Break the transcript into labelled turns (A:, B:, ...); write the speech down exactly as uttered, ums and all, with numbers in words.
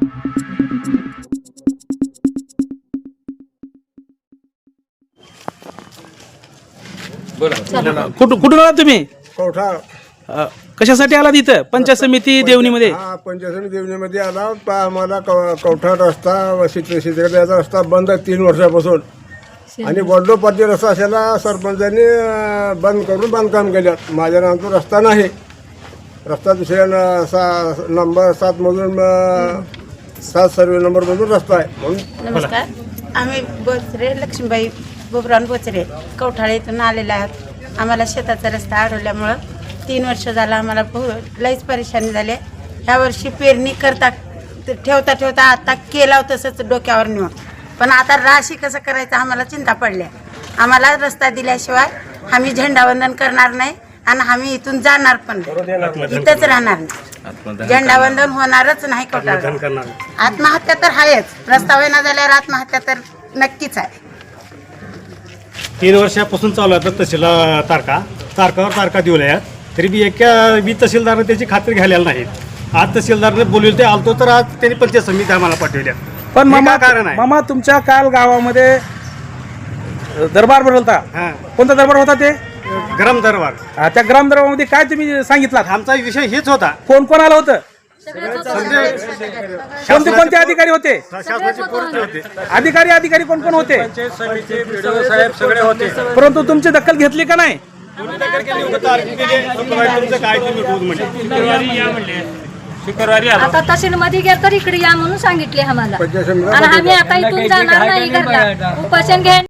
A: कुठून कुठून आला तुम्ही?
B: कवठा.
A: अ, कशासाठी आला तिथं पंचायत समिती देवणीमध्ये?
B: हा, पंचायत समिती देवणीमध्ये आला. पा- आम्हाला कव- कवठा रस्ता शेतकऱ्याचा रस्ता बंद आहे तीन वर्षापासून. आणि वडलोपाटी रस्ता असायला सरपंचांनी अं, बंद करून बांधकाम केल्यात. माझ्या नावाचा रस्ता नाही. रस्ता दुसऱ्या न- सा नंबर सात मधून अं, सात सर्वे नंबर मधून रस्ता आहे म्हणून.
C: नमस्कार, आम्ही बोचरे लक्ष्मीबाई बोबरान बोचरे कवठाळे इथून आलेले आहात. आम्हाला शेताचा रस्ता अडवल्यामुळं तीन वर्ष झालं आम्हाला बहु- लईच परेशानी झाली. ह्या वर्षी पेरणी करता ठेवता ठेवता आता केला तसंच डोक्यावर नेऊन, पण आता राशी कसं करायचं आम्हाला चिंता पडल्या. आम्हाला रस्ता दिल्याशिवाय आम्ही झेंडावंदन करणार नाही आणि आम्ही इथून जाणार पण नाही, इथंच राहणार नाही. झेंडावंदन होणारच नाही कवठाळा. आत्महत्या तर आहेच, रस्ता होईना झाल्यावर आत्महत्या तर नक्कीच आहे.
D: तीन वर्षापासून चालू आहे तहसील तारखा तारखावर तारखा दिवल्या आहेत, तरी बी एका बी तहसीलदारने त्याची खात्री घ्यायला नाही. आज तहसीलदारने बोलवले ते आलतो तर आज त्यांनी पंचायत समिती आम्हाला पाठवल्या.
A: पण
D: हे
A: मामा
D: काय कारण आहे?
A: मामा तुमच्या काल गावामध्ये दरबार भरवता.
D: हां,
A: कोणता दरबार होता ते?
D: गरम दरबार.
A: अ, त्या ग्राम दरबारमध्ये काय तुम्ही सांगितलात?
D: आमचा विषय हेच होता.
A: कोण कोण आलं होतं?
D: म्हणजे
A: कोणते कोणते अधिकारी होते?
D: शासनाचे पोरते होते,
A: अधिकारी अधिकारी कोण कोण होते?
D: साहेब सगळे होते.
A: परंतु तुमची दखल घेतली का नाही?
D: तुमचं काय तुम्ही रोज म्हणजे
E: शुक्रवारी आता तहसील मध्ये गेलं तर इकडे या म्हणून सांगितले आम्हाला.
B: पंचायत समिती
E: आणि आम्ही आता इथून जाणार नाही घरला, उपोषण घ्या.